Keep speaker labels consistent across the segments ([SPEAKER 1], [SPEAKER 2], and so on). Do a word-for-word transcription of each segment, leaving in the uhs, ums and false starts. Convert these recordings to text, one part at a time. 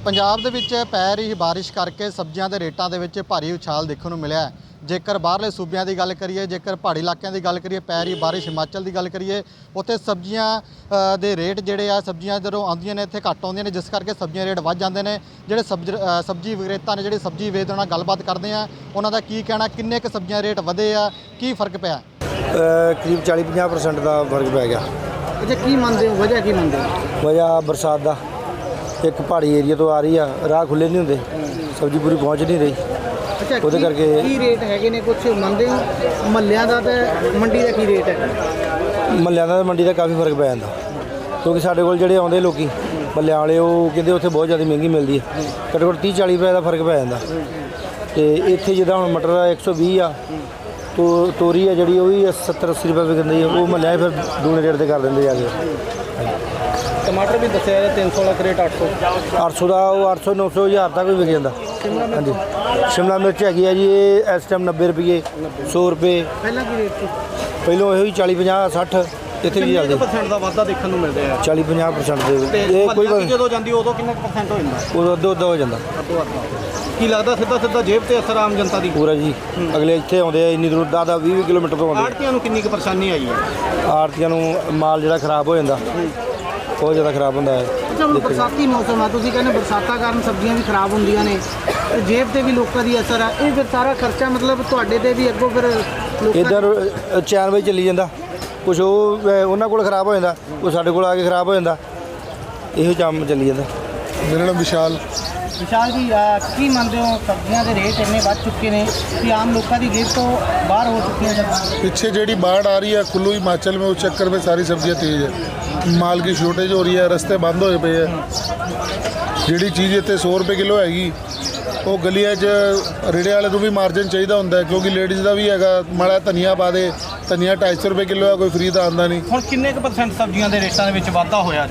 [SPEAKER 1] ਪੰਜਾਬ ਦੇ ਵਿੱਚ ਪੈ ਰਹੀ ਬਾਰਿਸ਼ ਕਰਕੇ ਸਬਜ਼ੀਆਂ ਦੇ ਰੇਟਾਂ ਦੇ ਵਿੱਚ ਭਾਰੀ ਉਛਾਲ ਦੇਖਣ ਨੂੰ ਮਿਲਿਆ। ਜੇਕਰ ਬਾਹਰਲੇ ਸੂਬਿਆਂ ਦੀ ਗੱਲ ਕਰੀਏ, ਜੇਕਰ ਪਹਾੜੀ ਇਲਾਕਿਆਂ ਦੀ ਗੱਲ ਕਰੀਏ, ਪੈ ਰਹੀ ਬਾਰਿਸ਼ ਹਿਮਾਚਲ ਦੀ ਗੱਲ ਕਰੀਏ, ਉੱਥੇ ਸਬਜ਼ੀਆਂ ਦੇ ਰੇਟ ਜਿਹੜੇ ਆ ਸਬਜ਼ੀਆਂ ਜਦੋਂ ਆਉਂਦੀਆਂ ਨੇ ਇੱਥੇ ਘੱਟ ਆਉਂਦੀਆਂ ਨੇ, ਜਿਸ ਕਰਕੇ ਸਬਜ਼ੀਆਂ ਰੇਟ ਵੱਧ ਜਾਂਦੇ ਨੇ। ਜਿਹੜੇ ਸਬਜ਼ੀ ਸਬਜ਼ੀ ਵਿਕਰੇਤਾ ਨੇ, ਜਿਹੜੇ ਸਬਜ਼ੀ ਵੇਚਦੇ ਉਹਨਾਂ ਨਾਲ ਗੱਲਬਾਤ ਕਰਦੇ ਆ, ਉਹਨਾਂ ਦਾ ਕੀ ਕਹਿਣਾ, ਕਿੰਨੇ ਕੁ ਸਬਜ਼ੀਆਂ ਰੇਟ ਵਧੇ ਆ, ਕੀ ਫਰਕ ਪਿਆ?
[SPEAKER 2] ਕਰੀਬ ਚਾਲੀ ਪੰਜਾਹ ਪਰਸੈਂਟ ਦਾ ਫਰਕ ਪੈ ਗਿਆ।
[SPEAKER 1] ਅੱਛਾ, ਕੀ ਮੰਨਦੇ ਹੋ ਵਜ੍ਹਾ ਕੀ ਮੰਨਦੇ ਹੋ?
[SPEAKER 2] ਵਜ੍ਹਾ ਬਰਸਾਤ ਦਾ, ਇੱਕ ਪਹਾੜੀ ਏਰੀਆ ਤੋਂ ਆ ਰਹੀ ਆ, ਰਾਹ ਖੁੱਲੇ ਨਹੀਂ ਹੁੰਦੇ, ਸਬਜ਼ੀ ਪੂਰੀ ਪਹੁੰਚ ਨਹੀਂ ਰਹੀ।
[SPEAKER 1] ਅੱਛਾ,
[SPEAKER 2] ਉਹਦੇ ਕਰਕੇ
[SPEAKER 1] ਕੀ ਰੇਟ ਹੈਗੇ ਨੇ ਕੁਝ ਮੰਨਦੇ ਹੋ? ਮਹੱਲਿਆਂ ਦਾ ਤੇ ਮੰਡੀ ਦਾ ਕੀ ਰੇਟ ਹੈ?
[SPEAKER 2] ਮਹੱਲਿਆਂ ਦਾ ਮੰਡੀ ਦਾ ਕਾਫੀ ਫਰਕ ਪੈ ਜਾਂਦਾ, ਕਿਉਂਕਿ ਸਾਡੇ ਕੋਲ ਜਿਹੜੇ ਆਉਂਦੇ ਲੋਕੀ ਮਹੱਲਿਆਂ ਵਾਲੇ, ਉਹ ਕਹਿੰਦੇ ਉੱਥੇ ਬਹੁਤ ਜ਼ਿਆਦਾ ਮਹਿੰਗੀ ਮਿਲਦੀ ਹੈ। ਘੱਟੋ ਘੱਟ ਤੀਹ ਚਾਲੀ ਰੁਪਏ ਦਾ ਫਰਕ ਪੈ ਜਾਂਦਾ। ਅਤੇ ਇੱਥੇ ਜਿੱਦਾਂ ਹੁਣ ਮਟਰ ਦਾ ਇੱਕ ਸੌ ਵੀਹ ਆ, ਤੋ ਤੋਰੀ ਆ ਜਿਹੜੀ ਉਹ ਵੀ ਸੱਤਰ ਅੱਸੀ ਰੁਪਏ ਵਿਕਦੀ ਹੈ। ਉਹ ਮਹੱਲਿਆਂ ਫਿਰ ਦੂਣੇ ਰੇਟ 'ਤੇ ਕਰ ਦਿੰਦੇ ਜਾ ਕੇ।
[SPEAKER 1] ਟਮਾਟਰ ਵੀ ਦੱਸਿਆ ਹੈ ਤਿੰਨ ਸੌ ਵਾਲਾ ਕਰੇਟ ਅੱਠ ਸੌ
[SPEAKER 2] ਅੱਠ ਸੌ ਦਾ, ਉਹ ਅੱਠ ਸੌ ਨੌ ਸੌ ਹਜ਼ਾਰ ਤੱਕ ਵੀ ਵਿਕ ਜਾਂਦਾ। ਹਾਂਜੀ, ਸ਼ਿਮਲਾ ਮਿਰਚ ਹੈਗੀ ਆ ਜੀ, ਇਹ ਇਸ ਟਾਈਮ ਨੱਬੇ ਰੁਪਏ, ਸੌ ਰੁਪਏ।
[SPEAKER 1] ਪਹਿਲਾਂ ਕੀ ਰੇਟ ਸੀ?
[SPEAKER 2] ਪਹਿਲੋਂ ਇਹੋ ਹੀ ਚਾਲੀ ਪੰਜਾਹ ਸੱਠ, ਇੱਥੇ ਵੀ ਚੱਲਦੇ
[SPEAKER 1] ਪਰਸੈਂਟ ਦਾ ਵਾਧਾ ਦੇਖਣ ਨੂੰ ਮਿਲਦਾ ਹੈ।
[SPEAKER 2] ਚਾਲੀ ਪੰਜਾਹ ਪਰਸੈਂਟ ਦੇ। ਇਹ ਕੋਈ
[SPEAKER 1] ਜਦੋਂ ਜਾਂਦੀ ਉਦੋਂ ਕਿੰਨਾ ਪਰਸੈਂਟ ਹੋ ਜਾਂਦਾ?
[SPEAKER 2] ਉਦੋਂ ਅੱਧੋ ਅੱਧਾ ਹੋ ਜਾਂਦਾ।
[SPEAKER 1] ਕੀ ਲੱਗਦਾ ਸਿੱਧਾ ਸਿੱਧਾ ਜੇਬ ਤੇ ਅਸਰ ਆਮ ਜਨਤਾ ਦੀ?
[SPEAKER 2] ਪੂਰਾ ਜੀ, ਅਗਲੇ ਇੱਥੇ ਆਉਂਦੇ ਆ ਇੰਨੀ ਦੂਰ ਦਸ ਦਸ ਵੀਹ ਵੀਹ ਕਿਲੋਮੀਟਰ ਤੋਂ ਆਉਂਦੇ।
[SPEAKER 1] ਆੜ੍ਹਤੀਆਂ ਨੂੰ ਕਿੰਨੀ ਕੁ ਪਰੇਸ਼ਾਨੀ ਆਈ ਹੈ?
[SPEAKER 2] ਆੜ੍ਹਤੀਆਂ ਨੂੰ ਮਾਲ ਜਿਹੜਾ ਖਰਾਬ ਹੋ ਜਾਂਦਾ, ਬਹੁਤ ਜ਼ਿਆਦਾ ਖਰਾਬ ਹੁੰਦਾ ਹੈ।
[SPEAKER 1] ਅੱਛਾ, ਹੁਣ ਬਰਸਾਤੀ ਮੌਸਮ ਆ, ਤੁਸੀਂ ਕਹਿੰਦੇ ਬਰਸਾਤਾਂ ਕਾਰਨ ਸਬਜ਼ੀਆਂ ਵੀ ਖਰਾਬ ਹੁੰਦੀਆਂ ਨੇ, ਜੇਬ ਤੇ ਵੀ ਲੋਕਾਂ ਦੀ ਅਸਰ ਆ। ਇਹ ਫਿਰ ਸਾਰਾ ਖਰਚਾ ਮਤਲਬ ਤੁਹਾਡੇ ਤੇ ਵੀ ਅੱਗੋਂ ਫਿਰ
[SPEAKER 2] ਇੱਧਰ ਚੈਨ ਵਜੇ ਚੱਲੀ ਜਾਂਦਾ, ਕੁਛ ਉਹ ਉਹਨਾਂ ਕੋਲ ਖਰਾਬ ਹੋ ਜਾਂਦਾ, ਉਹ ਸਾਡੇ ਕੋਲ ਆ ਕੇ ਖਰਾਬ ਹੋ ਜਾਂਦਾ। ਇਹੋ ਕੰਮ ਚੱਲੀ ਜਾਂਦਾ।
[SPEAKER 3] ਮੇਰਾ ਨਾਮ ਵਿਸ਼ਾਲ
[SPEAKER 1] ਵਿਸ਼ਾਲ ਜੀ, ਕੀ ਮੰਨਦੇ ਹੋ ਸਬਜ਼ੀਆਂ ਦੇ ਰੇਟ ਇੰਨੇ ਵੱਧ ਚੁੱਕੇ ਨੇ ਕਿ ਆਮ ਲੋਕਾਂ ਦੀ ਜੇਬ ਤੋਂ ਬਾਹਰ ਹੋ ਚੁੱਕੀਆਂ ਜਾਂ
[SPEAKER 3] पीछे जेडी बाढ़ आ रही है कुल्लू हिमाचल में, उस चक्कर में सारी सब्जियां तेज है, माल की शॉर्टेज हो रही है, रस्ते बंद होए पे है। ਜਿਹੜੀ ਚੀਜ਼ ਇੱਥੇ ਸੌ ਰੁਪਏ ਕਿਲੋ ਹੈਗੀ, ਉਹ ਗਲੀਆਂ 'ਚ ਰੇੜੇ ਵਾਲੇ ਨੂੰ ਵੀ ਮਾਰਜਨ ਚਾਹੀਦਾ ਹੁੰਦਾ, ਕਿਉਂਕਿ ਲੇਡੀਜ਼ ਦਾ ਵੀ ਹੈਗਾ। ਮਾੜਾ ਧਨੀਆ ਪਾ ਦੇ, ਧਨੀਆ ਢਾਈ ਸੌ ਰੁਪਏ ਕਿਲੋ ਹੈ, ਕੋਈ ਫਰੀ ਤਾਂ ਆਉਂਦਾ ਨਹੀਂ।
[SPEAKER 1] ਹੁਣ ਕਿੰਨੇ ਕੁ ਪਰਸੈਂਟ ਸਬਜ਼ੀਆਂ ਦੇ ਰੇਟਾਂ ਦੇ ਵਿੱਚ ਵਾਧਾ ਹੋਇਆ?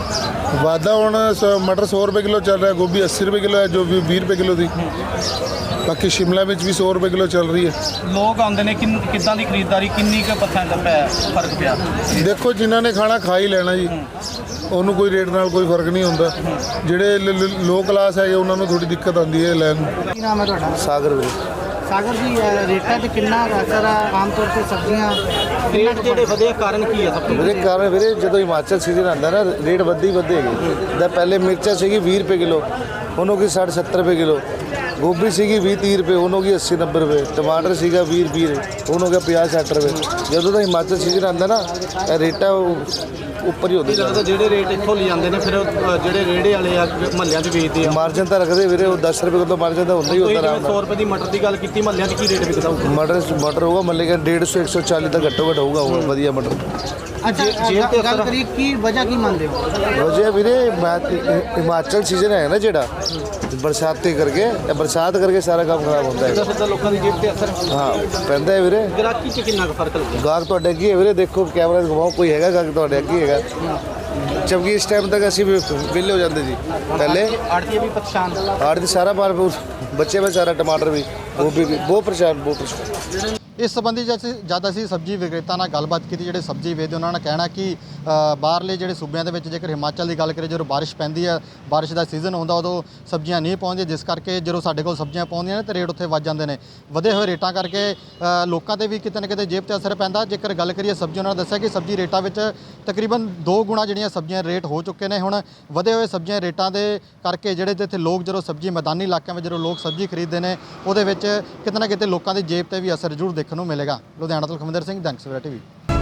[SPEAKER 3] ਵਾਧਾ ਹੁਣ ਸ- ਮਟਰ ਸੌ ਰੁਪਏ ਕਿਲੋ ਚੱਲ ਰਿਹਾ, ਗੋਭੀ अस्सी ਰੁਪਏ ਕਿਲੋ ਹੈ ਜੋ ਵੀ ਵੀਹ ਰੁਪਏ ਕਿਲੋ ਦੀ। ਬਾਕੀ ਸ਼ਿਮਲਾ ਮਿਰਚ ਵੀ ਸੌ ਰੁਪਏ ਕਿਲੋ ਚੱਲ ਰਹੀ ਹੈ।
[SPEAKER 1] ਲੋਕ ਆਉਂਦੇ ਨੇ, ਕਿੰਨ ਕਿੱਦਾਂ ਦੀ ਖਰੀਦਦਾਰੀ, ਕਿੰਨੀ ਕੁ ਪਰਸੈਂਟ ਪੈ ਫਰਕ ਪਿਆ?
[SPEAKER 3] ਦੇਖੋ, ਜਿਨ੍ਹਾਂ ਨੇ ਖਾਣਾ ਖਾ ਹੀ ਲੈਣਾ ਜੀ, ਉਹਨੂੰ ਕੋਈ ਰੇਟ ਨਾਲ ਕੋਈ ਫਰਕ ਨਹੀਂ ਹੁੰਦਾ। ਜਿਹੜੇ ਲੋ ਕਲਾਸ ਹੈਗੇ ਉਹਨਾਂ ਨੂੰ ਥੋੜੀ ਦਿੱਕਤ ਆਉਂਦੀ ਹੈ ਲੈਣ ਨੂੰ।
[SPEAKER 1] ਕੀ ਨਾਮ ਹੈ ਤੁਹਾਡਾ?
[SPEAKER 2] ਸਾਗਰ ਵੀਰੇ।
[SPEAKER 1] ਸਾਗਰ ਜੀ, ਰੇਟਾਂ ਤੇ ਕਿੰਨਾ ਅਸਰ ਆ ਆਮ ਤੌਰ ਤੇ ਸਬਜ਼ੀਆਂ ਰੇਟ ਜਿਹੜੇ ਵਧੇ ਕਾਰਨ ਕੀ ਹੈ? ਸਭ ਤੋਂ
[SPEAKER 2] ਵੀਰੇ ਕਾਰਨ ਵੀਰੇ, ਜਦੋਂ ਹਿਮਾਚਲ ਸੀਜ਼ਨ ਆਉਂਦਾ ਨਾ, ਰੇਟ ਵੱਧੀ ਵੱਧੇ ਹੈਗੇ। ਜਿੱਦਾਂ ਪਹਿਲੇ ਮਿਰਚਾਂ ਸੀਗੀ ਵੀਹ ਰੁਪਏ ਕਿਲੋ, ਉਹਨੂੰ ਕੀ ਸੱਠ ਸੱਤਰ ਰੁਪਏ ਕਿਲੋ। ਗੋਭੀ ਸੀਗੀ ਵੀਹ ਤੀਹ ਰੁਪਏ, ਉਹਨੂੰ ਕੀ अस्सी नब्बे ਰੁਪਏ। ਟਮਾਟਰ ਸੀਗਾ ਵੀਹ ਰੁਪਏ, ਉਹਨੂੰ ਹੋ ਗਿਆ ਪੰਜਾਹ ਸੱਠ ਰੁਪਏ। ਜਦੋਂ ਦਾ ਹਿਮਾਚਲ ਸੀਜ਼ਨ ਆਉਂਦਾ ਨਾ, ਇਹ ਰੇਟਾਂ ਉੱਪਰ ਹੀ ਹੁੰਦੀ।
[SPEAKER 1] ਲੱਗਦਾ ਜਿਹੜੇ ਰੇਟ ਇੱਥੋਂ ਲੈ ਜਾਂਦੇ ਨੇ, ਫਿਰ ਜਿਹੜੇ ਰੇੜੇ ਵਾਲੇ ਆ ਮਹੱਲਿਆਂ 'ਚ ਵੇਚਦੇ ਆ,
[SPEAKER 2] ਮਾਰਜਨ ਤਾਂ ਰੱਖਦੇ ਵੀਰੇ, ਉਹ ਦਸ ਰੁਪਏ ਕਿਲੋ ਮਾਰਜਨ ਤਾਂ ਹੁੰਦਾ ਹੀ ਹੁੰਦਾ। ਆਰਾਮ
[SPEAKER 1] ਸੌ ਰੁਪਏ ਦੀ ਮਟਰ ਦੀ ਗੱਲ ਕੀਤੀ, ਮਹੱਲਿਆਂ 'ਚ ਕੀ ਰੇਟ ਵਿਕਦਾ ਹੋਊਗਾ?
[SPEAKER 2] ਮਟਰ ਮਟਰ ਹੋਊਗਾ ਮੱਲੇ ਦਾ ਡੇਢ ਸੌ ਇੱਕ ਸੌ ਚਾਲੀ ਦਾ ਘੱਟੋ ਘੱਟ ਹੋਊਗਾ ਉਹ ਵਧੀਆ ਮਟਰ।
[SPEAKER 1] ਅੱਛਾ, ਜੇਬ ਤੇ ਗੱਲ ਕਰੀ, ਕੀ ਵਜ੍ਹਾ ਕੀ ਮੰਨਦੇ ਹੋ?
[SPEAKER 2] ਵਜ੍ਹਾ ਵੀਰੇ, ਹਿਮਾਚਲ ਸੀਜ਼ਨ ਹੈ ਨਾ ਜਿਹੜਾ, ਬਰਸਾਤੀ ਕਰਕੇ, ਇਹ ਬਰਸਾਤ ਕਰਕੇ ਸਾਰਾ ਕੰਮ ਖਰਾਬ ਹੁੰਦਾ ਹੈ।
[SPEAKER 1] ਸਿੱਧਾ ਲੋਕਾਂ ਦੀ ਜੇਬ ਤੇ ਅਸਰ
[SPEAKER 2] ਹਾਂ ਪੈਂਦਾ ਹੈ ਵੀਰੇ।
[SPEAKER 1] ਗ੍ਰਾਹਕੀ 'ਚ ਕਿੰਨਾ ਕੁ ਫਰਕ ਲੱਗਦਾ?
[SPEAKER 2] ਗਾਹਕ ਤੁਹਾਡੇ ਅੱਗੇ ਹੈ ਵੀਰੇ, ਦੇਖੋ ਕੈਮਰਾ ਘੁਮਾਓ, ਕੋਈ ਹੈਗਾ ਗਾਹਕ ਤੁਹਾਡੇ ਅੱਗੇ ਹੈਗਾ। ਜਦਕਿ ਇਸ ਟਾਈਮ ਤੱਕ ਅਸੀਂ ਵਿਹਲੇ ਹੋ ਜਾਂਦੇ ਜੀ। ਪਹਿਲੇ
[SPEAKER 1] ਆੜ੍ਹਤੀਏ ਵੀ ਪਰੇਸ਼ਾਨ,
[SPEAKER 2] ਆੜ ਦੀ ਸਾਰਾ ਮਾਲ ਬੱਚੇ ਵਿੱਚ ਸਾਰਾ ਟਮਾਟਰ ਵੀ, ਗੋਭੀ ਵੀ ਬਹੁਤ ਪਰੇਸ਼ਾਨ, ਬਹੁਤ ਪਰੇਸ਼ਾਨ।
[SPEAKER 1] ਇਸ ਸੰਬੰਧੀ ਜਦ ਅਸੀਂ ਸਬਜ਼ੀ ਵਿਕਰੇਤਾ ਨਾਲ ਗੱਲਬਾਤ ਕੀਤੀ, ਜਿਹੜੇ ਸਬਜ਼ੀ ਵੇਚਦੇ ਉਹਨਾਂ ਨੇ ਕਹਿਣਾ ਕਿ ਬਾਹਰਲੇ ਜਿਹੜੇ ਸੂਬਿਆਂ ਦੇ ਵਿੱਚ, ਜੇਕਰ ਹਿਮਾਚਲ ਦੀ ਗੱਲ ਕਰੀਏ, ਜਦੋਂ ਬਾਰਿਸ਼ ਪੈਂਦੀ ਹੈ, ਬਾਰਿਸ਼ ਦਾ ਸੀਜ਼ਨ ਹੁੰਦਾ, ਉਦੋਂ ਸਬਜ਼ੀਆਂ ਨਹੀਂ ਪਹੁੰਚਦੀਆਂ, ਜਿਸ ਕਰਕੇ ਜਦੋਂ ਸਾਡੇ ਕੋਲ ਸਬਜ਼ੀਆਂ ਪਹੁੰਚਦੀਆਂ ਨੇ ਤਾਂ ਰੇਟ ਉੱਥੇ ਵੱਧ ਜਾਂਦੇ ਨੇ। ਵਧੇ ਹੋਏ ਰੇਟਾਂ ਕਰਕੇ ਲੋਕਾਂ 'ਤੇ ਵੀ ਕਿਤੇ ਨਾ ਕਿਤੇ ਜੇਬ 'ਤੇ ਅਸਰ ਪੈਂਦਾ। ਜੇਕਰ ਗੱਲ ਕਰੀਏ ਸਬਜ਼ੀ, ਉਹਨਾਂ ਨੇ ਦੱਸਿਆ ਕਿ ਸਬਜ਼ੀ ਰੇਟਾਂ ਵਿੱਚ ਤਕਰੀਬਨ ਦੋ ਗੁਣਾ ਜਿਹੜੀਆਂ ਸਬਜ਼ੀਆਂ ਰੇਟ ਹੋ ਚੁੱਕੇ ਨੇ। ਹੁਣ ਵਧੇ ਹੋਏ ਸਬਜ਼ੀਆਂ ਰੇਟਾਂ ਦੇ ਕਰਕੇ ਜਿਹੜੇ ਜਿੱਥੇ ਲੋਕ ਜਦੋਂ ਸਬਜ਼ੀ ਮੈਦਾਨੀ ਇਲਾਕਿਆਂ ਵਿੱਚ ਜਦੋਂ ਲੋਕ ਸਬਜ਼ੀ ਖਰੀਦਦੇ ਨੇ, ਉਹਦੇ ਵਿੱਚ ਕਿਤੇ ਨਾ ਕਿਤੇ ਲੋਕਾਂ ਦੀ ਜੇਬ 'ਤੇ ਵੀ ਅਸਰ ਜ਼ਰੂਰ ਦੇਖਣ ਨੂੰ ਮਿਲੇਗਾ। ਲੁਧਿਆਣਾ ਤੋਂ ਖਮਿੰਦਰ ਸਿੰਘ, ਦੈਨਿਕ ਸਵੇਰਾ ਟੀਵੀ।